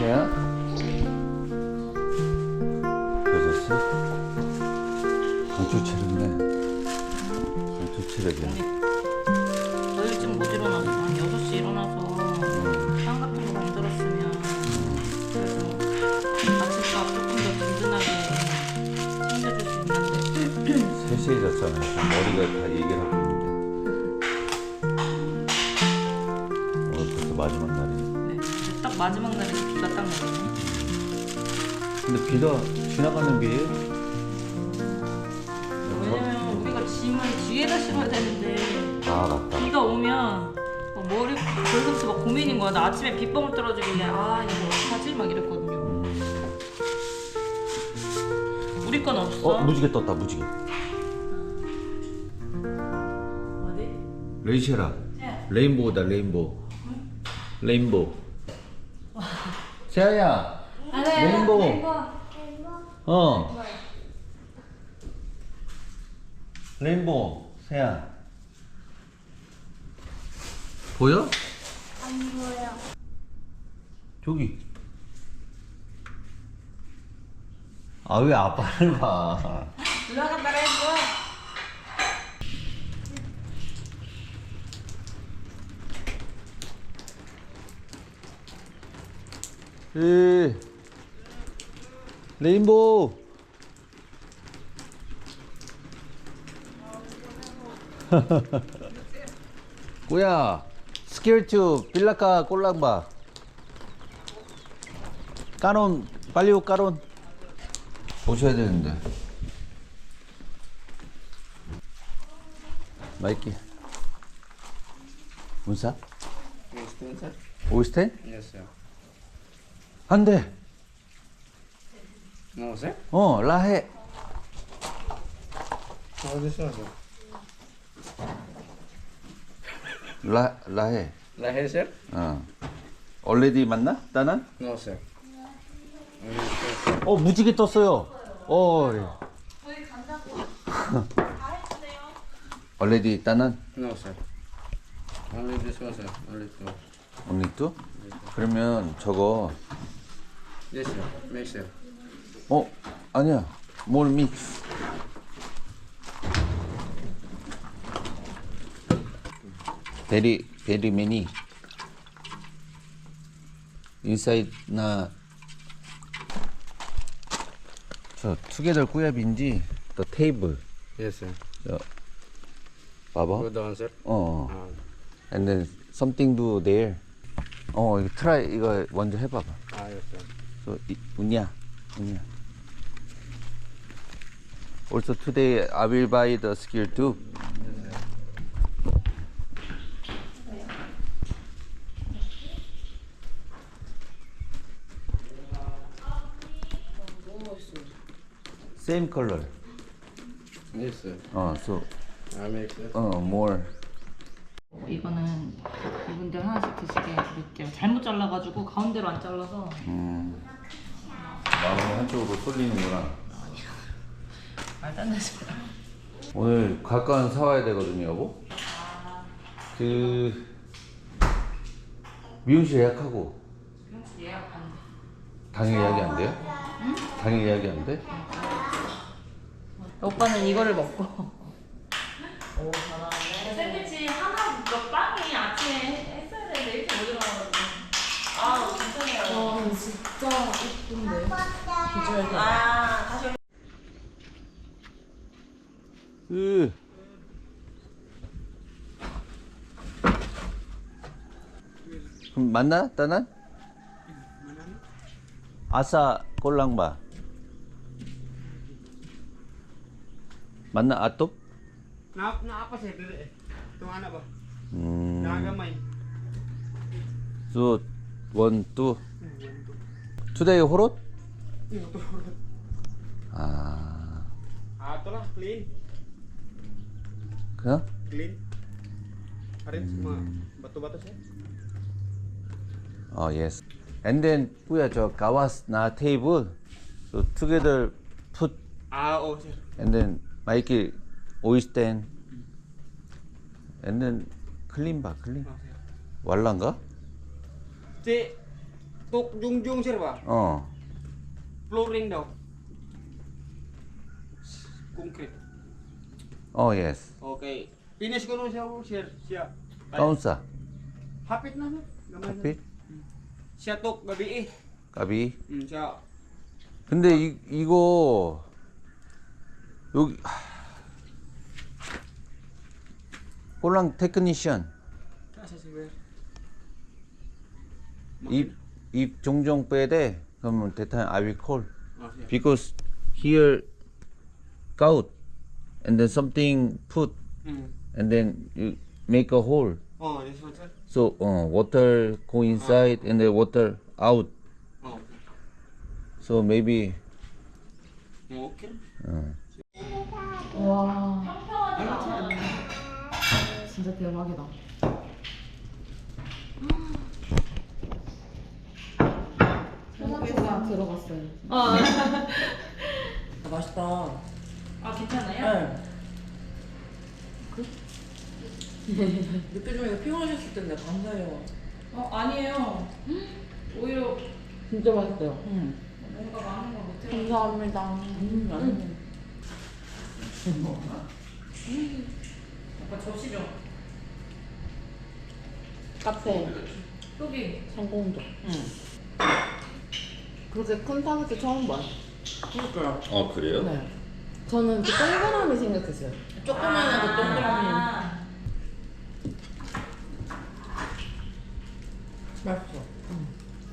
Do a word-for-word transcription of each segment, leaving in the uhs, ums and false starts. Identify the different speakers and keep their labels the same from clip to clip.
Speaker 1: 세야? 여섯 강추 체력네. 강추 체력이야.
Speaker 2: 너 일찍 못 일어나서 한 여섯 시 일어나서 빵 같은 거 만들었으면 그래서 아침밥 조금 더 든든하게 챙겨줄 수 있는데
Speaker 1: 세 시에 잤잖아. 머리가 다 얘기를 하고 있는데. 오늘 벌써 마지막 날이네.
Speaker 2: 네. 근데 딱 마지막 날에 비가 딱 내리네.
Speaker 1: 근데 비가 지나가는 비예요?
Speaker 2: 왜냐면 우리가 짐을 뒤에다 실어야 되는데
Speaker 1: 아 맞다.
Speaker 2: 비가 오면 막 머리 벌써부터 막 고민인 거야. 나 아침에 빗방울 떨어지길래 아 이거 어떡하지? 막 이랬거든요.
Speaker 1: 음.
Speaker 2: 우리 건 없어.
Speaker 1: 어 무지개 떴다 무지개.
Speaker 2: 어디?
Speaker 1: 레이쉐라.
Speaker 2: 네.
Speaker 1: 레인보우다 레인보우. 레인보우. 세아야.
Speaker 2: 아,
Speaker 1: 레인보우. 어. 레인보우. 세아. 보여?
Speaker 3: 안 보여.
Speaker 1: 저기. 아 왜 아빠를 봐?
Speaker 2: 누나가 따라해줘.
Speaker 1: 에 레인보우. 꾸야 스케일투 빌라카 꼴랑바 까론 빨리 오 까론 오셔야 되는데 마이키 문사?
Speaker 4: Understand, sir?
Speaker 1: 오이스텐?
Speaker 4: Yes, sir.
Speaker 1: 안돼
Speaker 4: No, sir?
Speaker 1: 어 라해
Speaker 4: How this one, sir?
Speaker 1: 라, 라해
Speaker 4: Lahe, sir?
Speaker 1: 어 얼레디 맞나? 따난?
Speaker 4: No, sir. Only this, sir.
Speaker 1: 어 무지개 떴어요 어
Speaker 2: 저희 간다고.
Speaker 1: 얼레디 따난?
Speaker 4: No, sir. Only this one, sir. Only two.
Speaker 1: 언니 또? 그러면 저거
Speaker 4: Yes, sir. Make, sir.
Speaker 1: 어 아니야 몰 믹스 베리 베리 매니 인사이드 나저 투게더 꾸야빈지 더 테이블
Speaker 4: Yes, sir.
Speaker 1: 저 봐봐
Speaker 4: Go down, sir.
Speaker 1: 어
Speaker 4: Uh,
Speaker 1: and then something do there 어 이거 트라이 이거 먼저 해봐봐
Speaker 4: ah, yes, sir.
Speaker 1: so 이, 운이야 운이야 also today I will buy the skill too same color
Speaker 4: Yes, sir.
Speaker 1: 어 so
Speaker 4: I make, sir.
Speaker 1: 어 more
Speaker 2: 이거는 이분들 하나씩 드시게 드릴게요. 잘못 잘라가지고 가운데로 안 잘라서
Speaker 1: 음 마음이 한쪽으로 쏠리는구나
Speaker 2: 말도 안 되지.
Speaker 1: 오늘 곽관 사와야 되거든요 여보 그 미용실 예약하고
Speaker 2: 예약 안 돼.
Speaker 1: 당일 예약이 안 돼요? 응? 당일 예약이 안 돼?
Speaker 2: 오빠는 이거를 먹고. 오 잘하네. 샌드위치 하나 몇 빵이 아침에 했어야 되는데 일찍 못 일어나가지고. 아 괜찮아요. 와 진짜 예쁜데. 비주얼도. 아 다시.
Speaker 1: 으. 그럼 맞나? 따난? 아사 꼴랑바 맞나? 아톱?
Speaker 5: Na, na apa sih dulu? Tuh anak bah,
Speaker 1: 음.
Speaker 5: jangan main.
Speaker 1: So one two today 호롯? 아
Speaker 5: Ah, itulah clean,
Speaker 1: 그냥?
Speaker 5: clean. Hari ini semua batu-batu sih.
Speaker 1: 어 yes and then 뿌야 저 가와스 나 테이블 so together put
Speaker 5: Ah, oh sir.
Speaker 1: and then 마이키 오이스텐 and then 클린 봐 클린
Speaker 5: Oh sir.
Speaker 1: 왈란가?
Speaker 5: Cik, Tok Jungjung sir ba?
Speaker 1: 어.
Speaker 5: Flooring daw. Concrete.
Speaker 1: 어, yes.
Speaker 5: Okay. Finish ko nun siya, sir. Siya.
Speaker 1: kaunsa?
Speaker 5: Hapit na no. Gamay na.
Speaker 1: hapit?
Speaker 5: Siya tok gabi eh.
Speaker 1: 까비.
Speaker 5: Hmm, siya.
Speaker 1: 근데 이, 이거 여기 홀랑 테크니션
Speaker 5: Kasa si Ber.
Speaker 1: if if 종종 빼대 그러면 that time I will call
Speaker 5: Oh, siya.
Speaker 1: because here gout and then something put
Speaker 5: Hmm.
Speaker 1: and then you make a hole
Speaker 5: Oh, this one sir.
Speaker 1: so uh, water go inside and then water out
Speaker 5: Oh.
Speaker 1: so maybe
Speaker 5: Oh, okay.
Speaker 1: 어.
Speaker 2: 와. 진짜 대박이다. 생각보다 들어갔어요. 아,
Speaker 6: 맛있다.
Speaker 2: 아 괜찮아요?
Speaker 6: 네. 늦게 좀 이거 피곤하셨을 텐데 감사해요.
Speaker 2: 어 아니에요. 오히려
Speaker 6: 진짜 맛있어요. 응.
Speaker 2: 뭔가 많은 걸 못해.
Speaker 6: 감사합니다. 음, 맛있네.
Speaker 2: 오빠 접시 좀.
Speaker 6: 카페
Speaker 2: 여기.
Speaker 6: 성공적. 응. 그렇게 큰 타겟 처음 봐요. 그러니까요.
Speaker 1: 어 그래요?
Speaker 6: 네. 저는 그 동그라미 생각했어요. 조그만한 그 동그라미.
Speaker 2: 아,
Speaker 6: 맛있어. 응.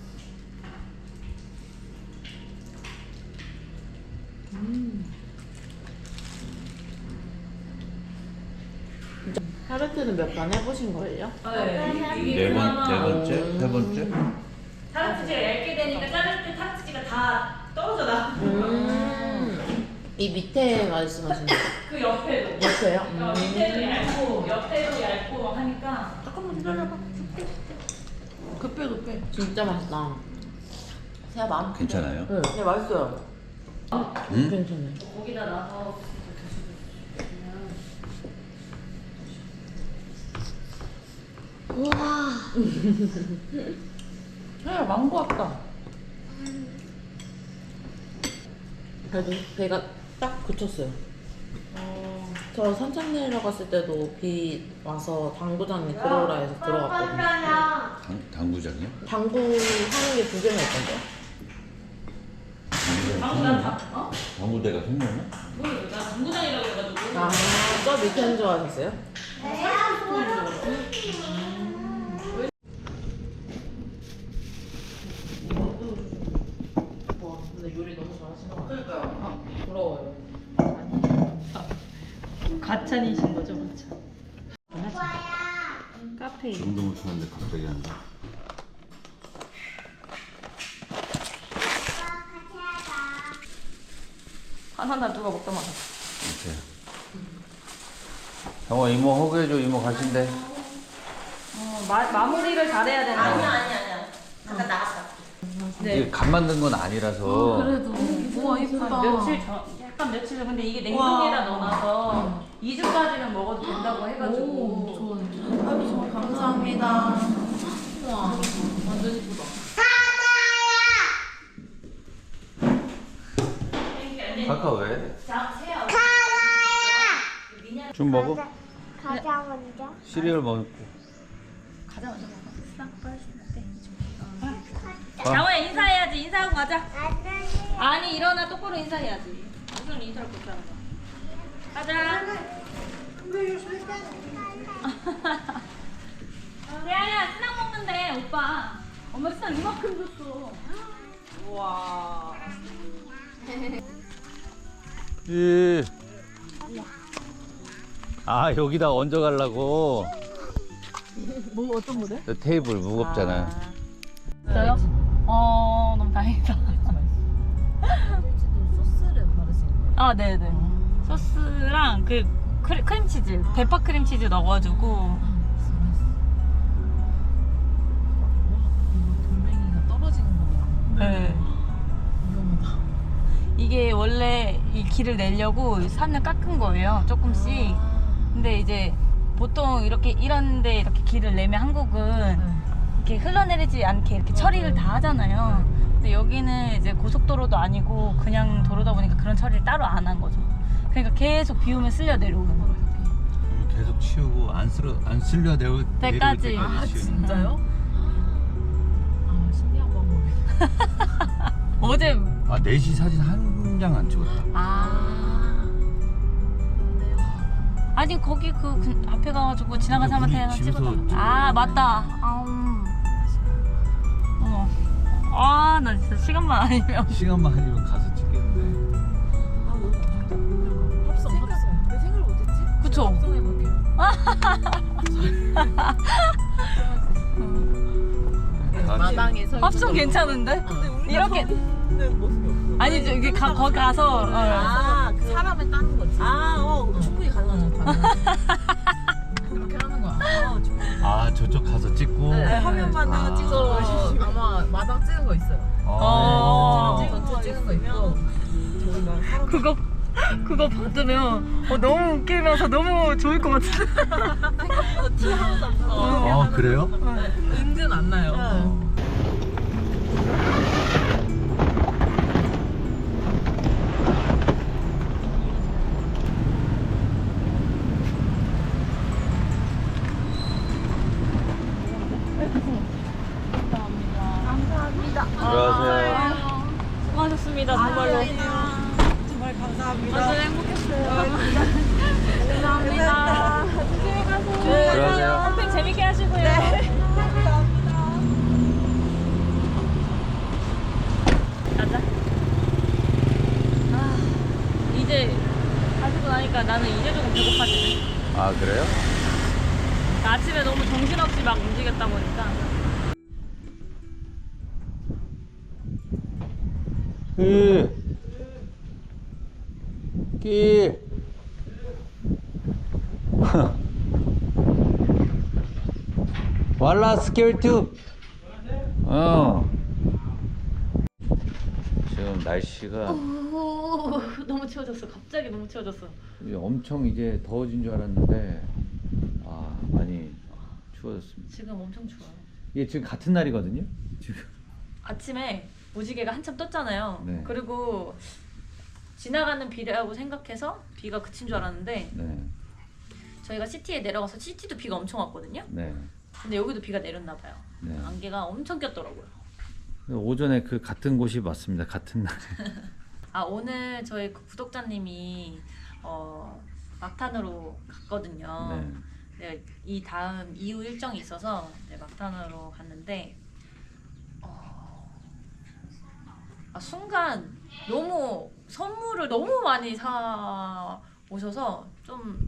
Speaker 6: 타르트는 몇 번 해보신 거예요?
Speaker 2: 네. 이게
Speaker 1: 네 번, 네
Speaker 2: 그나마
Speaker 1: 번째, 세 번째.
Speaker 2: 타르트지가 얇게 되니까 자를 때 타르트지가 다 떨어져 나.
Speaker 6: 음. 이 밑에 말씀하시는 거.
Speaker 2: 그 옆에도.
Speaker 6: 옆에요?
Speaker 2: 어, 밑에도 얇고 옆에도 얇고 하니까.
Speaker 6: 잠깐만 기다려봐. 그 빼, 그 빼. 진짜 맛있다. 제가 마음.
Speaker 1: 괜찮아요?
Speaker 6: 네, 네 맛있어요.
Speaker 1: 응?
Speaker 6: 괜찮아요.
Speaker 2: 거기다 놔서
Speaker 6: 우와. 야, 망고 왔다. 그래도 배가 딱 그쳤어요.
Speaker 2: 어.
Speaker 6: 저 산책 내려갔을 때도 비 와서 당구장에 들어오라 해서 들어갔거든요.
Speaker 1: 당, 당구장이요?
Speaker 6: 당구 하는 게 두 개나 있던데요?
Speaker 2: 당구장 다 어?
Speaker 1: 당구대가 생겼나?
Speaker 2: 모르겠어. 나 당구장이라고 해가지고.
Speaker 6: 아, 저 밑에는 좋아하셨어요? 와, 근데 요리 너무 잘하시는 것 같아요. 그러니까요. 부러워요.
Speaker 2: 가찬이신 거죠, 가찬. 카페.
Speaker 1: 정도 못 추는데 갑자기 한다.
Speaker 2: 하나 누가 먹다 말아.
Speaker 1: 이렇게. 정아 이모 허그해줘 이모 가신대.
Speaker 2: 어, 마, 마무리를 잘해야 된다. 아니야, 아니야, 아니야. 잠깐 나갔다.
Speaker 1: 이게 간 만든 건 아니라서.
Speaker 2: 그래도 우와 이쁘다. 며칠 전, 약간 며칠 전 근데 이게 냉동에다 넣어놔서 이 주까지는 먹어도 된다고 해가지고.
Speaker 6: 좋아요. 아유, 정말 감사합니다. 우와, 완전 이쁘다.
Speaker 1: 카카 왜?
Speaker 2: 자, 세요.
Speaker 1: 좀 먹어?
Speaker 3: 가자 먼저.
Speaker 1: 시리얼 먹고.
Speaker 2: 가자 먼저 먹어. 싹 빠졌을 때. 장호야 인사해야지. 인사하고 가자. 아니 일어나 똑바로 인사해야지. 무슨 인사를 그렇게 하는 거야. 가자. 야야 스낵 먹는데 오빠. 엄마 스낵 이만큼 줬어. 우와.
Speaker 1: 예. 아 여기다 얹어 가려고.
Speaker 6: 뭐, 어떤 모델?
Speaker 1: 테이블 무겁잖아.
Speaker 2: 저요? 어 너무 다행이다.
Speaker 6: 소스를 바르신 거예요?
Speaker 2: 아 네네. 소스랑 그 크리, 크림치즈, 대파 크림치즈 넣어가지고.
Speaker 6: 돌멩이가 떨어지는 거예요.
Speaker 2: 네.
Speaker 6: 위험하다.
Speaker 2: 이게 원래 이 길을 내려고 산을 깎은 거예요. 조금씩. 근데 이제 보통 이렇게 이런데 이렇게 길을 내면 한국은 이렇게 흘러내리지 않게 이렇게 처리를 다 하잖아요. 근데 여기는 이제 고속도로도 아니고 그냥 도로다 보니까 그런 처리를 따로 안 한 거죠. 그러니까 계속 비 오면 쓸려 내려오는 거예요.
Speaker 1: 계속 치우고 안 쓸어 안 쓸려 내올
Speaker 2: 때까지.
Speaker 1: 내려올
Speaker 2: 아,
Speaker 1: 때까지 치우는.
Speaker 6: 진짜요? 아 신기한 방법이네.
Speaker 2: 어제
Speaker 1: 아 네 시 사진 한 장 안 찍었다.
Speaker 2: 아 아니 거기 그 근- 앞에 가가지고 지나간
Speaker 1: 근데
Speaker 2: 사람한테
Speaker 1: 우리
Speaker 2: 하나
Speaker 1: 집에서
Speaker 2: 찍었다.
Speaker 1: 찍은
Speaker 2: 아
Speaker 1: 거야.
Speaker 2: 맞다. 아음. 어머. 아나 진짜 시간만 아니면.
Speaker 1: 시간만 아니면 가서 찍겠는데.
Speaker 6: 아 너무 아쉽다. 합성 합성. 왜 생각을 못했지?
Speaker 2: 그쵸?
Speaker 6: 합성해볼게요. 마당에서
Speaker 2: 합성 괜찮은데? 이렇게
Speaker 6: 모습이 없어.
Speaker 2: 아니 저기 가 거기 가서 어.
Speaker 6: 아, 그 사람을 따는 거지. 아, 어, 충분히 가능하죠. 그렇게 하는 거야. 어, 충분히.
Speaker 1: 아 저쪽 가서 찍고.
Speaker 6: 네, 화면만
Speaker 1: 아.
Speaker 6: 찍어. 아마 마당 찍은 거 있어요.
Speaker 2: 어.
Speaker 6: 찍은 거 찍은 거 있고. 저희가 사람
Speaker 2: 그거 그거 받으면 어, 너무 웃기면서 너무 좋을 것 같아.
Speaker 6: 생각보다 티 하나도 안 나고.
Speaker 1: 아 그래요?
Speaker 6: 은근 안 나요. 어.
Speaker 1: 들어가세요.
Speaker 2: 수고하셨습니다 정말로.
Speaker 6: 정말 감사합니다.
Speaker 2: 완전 행복했어요. 감사합니다. 조심히 가세요.
Speaker 1: 들어가세요.
Speaker 2: 캠핑 재밌게 하시고요. 네. 가자. 아, 이제 가시고 나니까 나는 이제 조금 배고파지네.
Speaker 1: 아 그래요?
Speaker 2: 아침에 너무 정신없이 막 움직였다 보니까.
Speaker 1: 그 길. 왈라 스케일투. 어. 지금 날씨가
Speaker 2: 오, 너무 추워졌어. 갑자기 너무 추워졌어.
Speaker 1: 이제 엄청 이제 더워진 줄 알았는데 아 많이 추워졌습니다.
Speaker 2: 지금 엄청 추워요.
Speaker 1: 이게 지금 같은 날이거든요. 지금.
Speaker 2: 아침에 무지개가 한참 떴잖아요.
Speaker 1: 네.
Speaker 2: 그리고 지나가는 비라고 생각해서 비가 그친 줄 알았는데
Speaker 1: 네.
Speaker 2: 저희가 시티에 내려가서 시티도 비가 엄청 왔거든요.
Speaker 1: 네.
Speaker 2: 근데 여기도 비가 내렸나 봐요.
Speaker 1: 네.
Speaker 2: 안개가 엄청 꼈더라고요.
Speaker 1: 오전에 그 같은 곳이 맞습니다. 같은 날에.
Speaker 2: 아 오늘 저희 그 구독자님이 어, 막탄으로 갔거든요.
Speaker 1: 네.
Speaker 2: 네, 이 다음 이후 일정이 있어서 네, 막탄으로 갔는데 어, 아, 순간 너무 선물을 너무 많이 사 오셔서 좀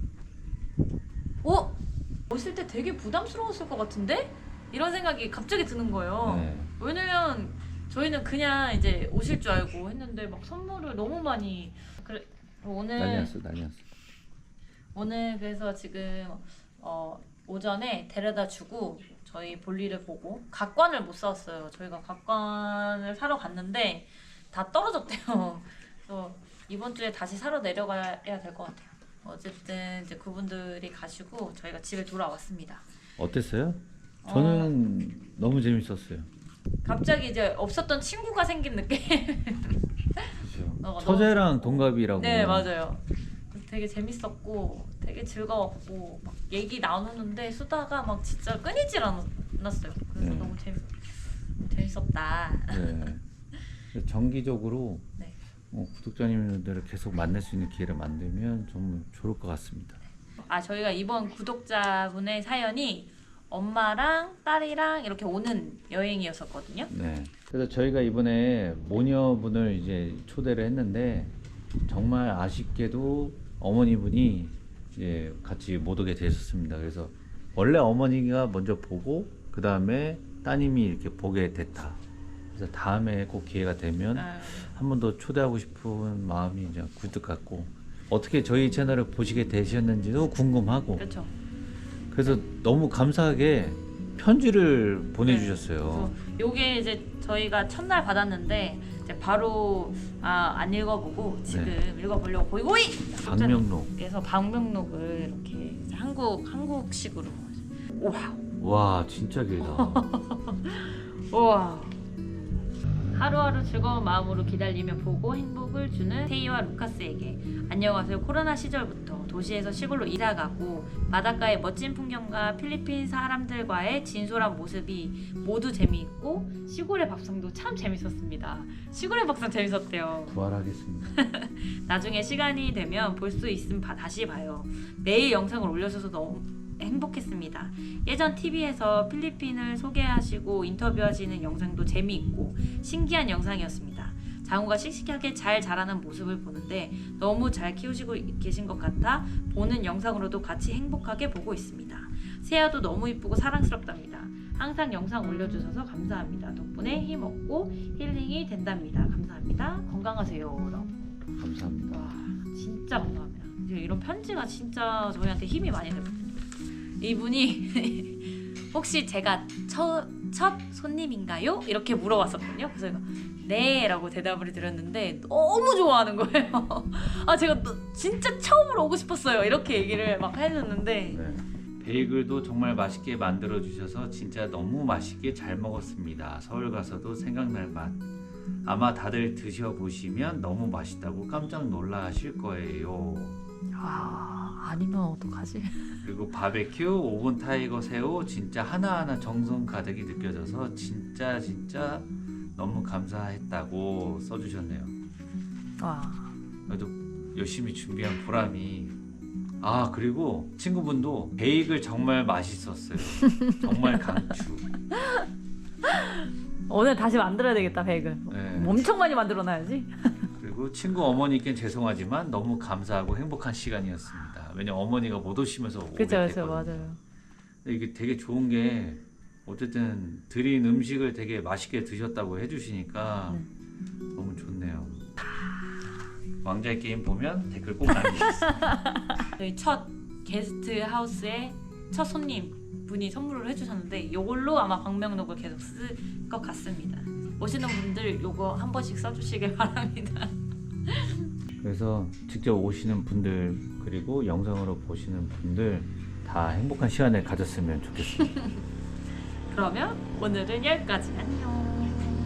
Speaker 2: 어? 오실 때 되게 부담스러웠을 것 같은데? 이런 생각이 갑자기 드는 거예요.
Speaker 1: 네.
Speaker 2: 왜냐면 저희는 그냥 이제 오실 줄 알고 했는데 막 선물을 너무 많이 그래 오늘
Speaker 1: 난리 났어, 난리 났어.
Speaker 2: 오늘 그래서 지금 어, 오전에 데려다 주고 저희 볼일을 보고 각관을 못 사왔어요. 저희가 각관을 사러 갔는데 다 떨어졌대요. 그래서 이번 주에 다시 사러 내려가야 될 것 같아요. 어쨌든 이제 그분들이 가시고 저희가 집에 돌아왔습니다.
Speaker 1: 어땠어요? 저는 어... 너무 재밌었어요.
Speaker 2: 갑자기 이제 없었던 친구가 생긴 느낌.
Speaker 1: 그렇죠.
Speaker 2: 어,
Speaker 1: 처제랑 동갑이라고.
Speaker 2: 네 맞아요. 되게 재밌었고 되게 즐거웠고 막 얘기 나누는데 수다가 막 진짜 끊이질 않았어요. 그래서
Speaker 1: 네.
Speaker 2: 너무 재밌 재밌었다.
Speaker 1: 네. 정기적으로
Speaker 2: 네.
Speaker 1: 어, 구독자님들을 계속 만날 수 있는 기회를 만들면 정말 좋을 것 같습니다.
Speaker 2: 아 저희가 이번 구독자분의 사연이 엄마랑 딸이랑 이렇게 오는 여행이었었거든요.
Speaker 1: 네. 그래서 저희가 이번에 모녀분을 이제 초대를 했는데 정말 아쉽게도 어머니분이 이제 같이 못 오게 되셨습니다. 그래서 원래 어머니가 먼저 보고 그 다음에 따님이 이렇게 보게 됐다. 그래서 다음에 꼭 기회가 되면
Speaker 2: 아유.
Speaker 1: 한 번 더 초대하고 싶은 마음이 이제 굴뚝 같고 어떻게 저희 채널을 보시게 되셨는지도 궁금하고
Speaker 2: 그렇죠.
Speaker 1: 그래서 너무 감사하게 편지를 보내주셨어요.
Speaker 2: 네. 요게 이제 저희가 첫날 받았는데 이제 바로 아, 안 읽어보고 지금
Speaker 1: 네.
Speaker 2: 읽어보려고 고이고이
Speaker 1: 방명록.
Speaker 2: 그래서 방명록을 이렇게 한국 한국식으로 와
Speaker 1: 와 진짜 길다.
Speaker 2: 우와. 하루하루 즐거운 마음으로 기다리며 보고 행복을 주는 테이와 루카스에게 안녕하세요. 코로나 시절부터 도시에서 시골로 이사가고 바닷가의 멋진 풍경과 필리핀 사람들과의 진솔한 모습이 모두 재미있고 시골의 밥상도 참 재밌었습니다. 시골의 밥상 재밌었대요.
Speaker 1: 부활하겠습니다.
Speaker 2: 나중에 시간이 되면 볼 수 있으면 바- 다시 봐요. 매일 영상을 올려줘서 너무 행복했습니다. 예전 티비에서 필리핀을 소개하시고 인터뷰하시는 영상도 재미있고 신기한 영상이었습니다. 장우가 씩씩하게 잘 자라는 모습을 보는데 너무 잘 키우시고 계신 것 같아 보는 영상으로도 같이 행복하게 보고 있습니다. 세아도 너무 이쁘고 사랑스럽답니다. 항상 영상 올려주셔서 감사합니다. 덕분에 힘없고 힐링이 된답니다. 감사합니다. 건강하세요. 라고.
Speaker 1: 감사합니다.
Speaker 2: 와 진짜 감사합니다. 이런 편지가 진짜 저희한테 힘이 많이 되거든요. 이분이 혹시 제가 첫, 첫 손님인가요? 이렇게 물어봤었거든요. 그래서 제가 네 라고 대답을 드렸는데 너무 좋아하는 거예요. 아 제가 또 진짜 처음으로 오고 싶었어요. 이렇게 얘기를 막 해줬는데
Speaker 1: 네. 베이글도 정말 맛있게 만들어 주셔서 진짜 너무 맛있게 잘 먹었습니다. 서울 가서도 생각날 맛. 아마 다들 드셔보시면 너무 맛있다고 깜짝 놀라실 거예요.
Speaker 2: 아 아니면 어떡하지?
Speaker 1: 그리고 바베큐, 오븐 타이거 새우 진짜 하나하나 정성 가득이 느껴져서 진짜 진짜 너무 감사했다고 써주셨네요.
Speaker 2: 와
Speaker 1: 그래도 열심히 준비한 보람이. 아 그리고 친구분도 베이글 정말 맛있었어요. 정말 강추.
Speaker 2: 오늘 다시 만들어야 되겠다 베이글.
Speaker 1: 네.
Speaker 2: 엄청 많이 만들어놔야지.
Speaker 1: 그리고 친구 어머니께 죄송하지만 너무 감사하고 행복한 시간이었습니다. 왜냐면 어머니가 못 오시면서 오게
Speaker 2: 그쵸 그쵸
Speaker 1: 됐거든요.
Speaker 2: 맞아요.
Speaker 1: 근데 이게 되게 좋은 게 어쨌든 드린 음식을 되게 맛있게 드셨다고 해주시니까
Speaker 2: 네.
Speaker 1: 너무 좋네요. 왕자의 게임 보면 댓글 꼭 남기겠습니다.
Speaker 2: 저희 첫 게스트 하우스의 첫 손님 분이 선물을 해주셨는데 이걸로 아마 방명록을 계속 쓸 것 같습니다. 오시는 분들 요거 한 번씩 써주시길 바랍니다.
Speaker 1: 그래서 직접 오시는 분들 그리고 영상으로 보시는 분들 다 행복한 시간을 가졌으면 좋겠습니다.
Speaker 2: 그러면 오늘은 여기까지. 안녕.